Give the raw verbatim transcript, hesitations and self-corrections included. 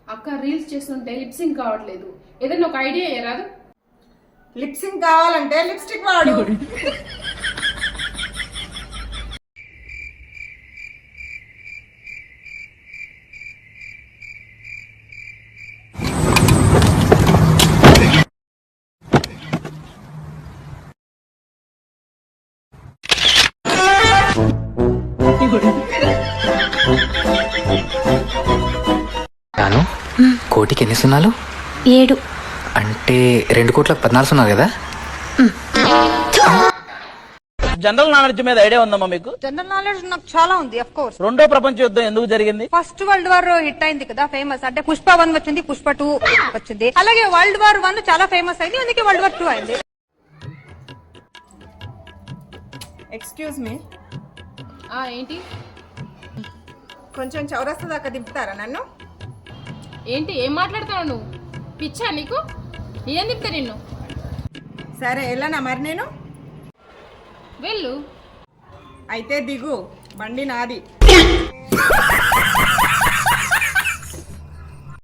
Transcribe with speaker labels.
Speaker 1: అక్క రీల్స్ చేస్తుంటే lip sync కావట్లేదు, ఏదైనా ఒక ఐడియా రాదు?
Speaker 2: లిప్ సింక్ కావాలంటే లిప్స్టిక్ వాడు.
Speaker 3: నాను కోటికి ఎన్ని సున్నాలు?
Speaker 4: ఏడు.
Speaker 3: అంటే రెండు కోట్లకు పద్నాలుగు సున్నాలు కదా?
Speaker 5: జనరల్ నాలెడ్జ్ మీద ఐడియా ఉందమ్మా మీకు?
Speaker 6: జనరల్ నాలెడ్జ్ నాకు చాలా ఉంది. అఫ్ కోర్స్
Speaker 5: రెండో ప్రపంచ యుద్ధం ఎందుకు జరిగింది?
Speaker 6: ఫస్ట్ వరల్డ్ వార్ హిట్ అయింది కదా, ఫేమస్. అంటే పుష్ప వన్ వచ్చింది, పుష్ప టూ వచ్చింది. అలాగే వరల్డ్ వార్ వన్ చాలా ఫేమస్ అయింది, అందుకే వరల్డ్ వార్ టూ అయింది.
Speaker 2: ఎక్స్క్యూజ్ మీ,
Speaker 1: ఆ ఏంటి?
Speaker 2: కొంచెం చౌరస్తా దాకా దింపుతారా నన్ను?
Speaker 1: ఏంటి ఏం మాట్లాడుతున్నావు నువ్వు? పిచ్చా నీకు? ఏం తిప్తా నిన్ను?
Speaker 2: సరే వెళ్ళనా మరి నేను?
Speaker 1: వెళ్ళు.
Speaker 2: అయితే దిగు, బండి నాది.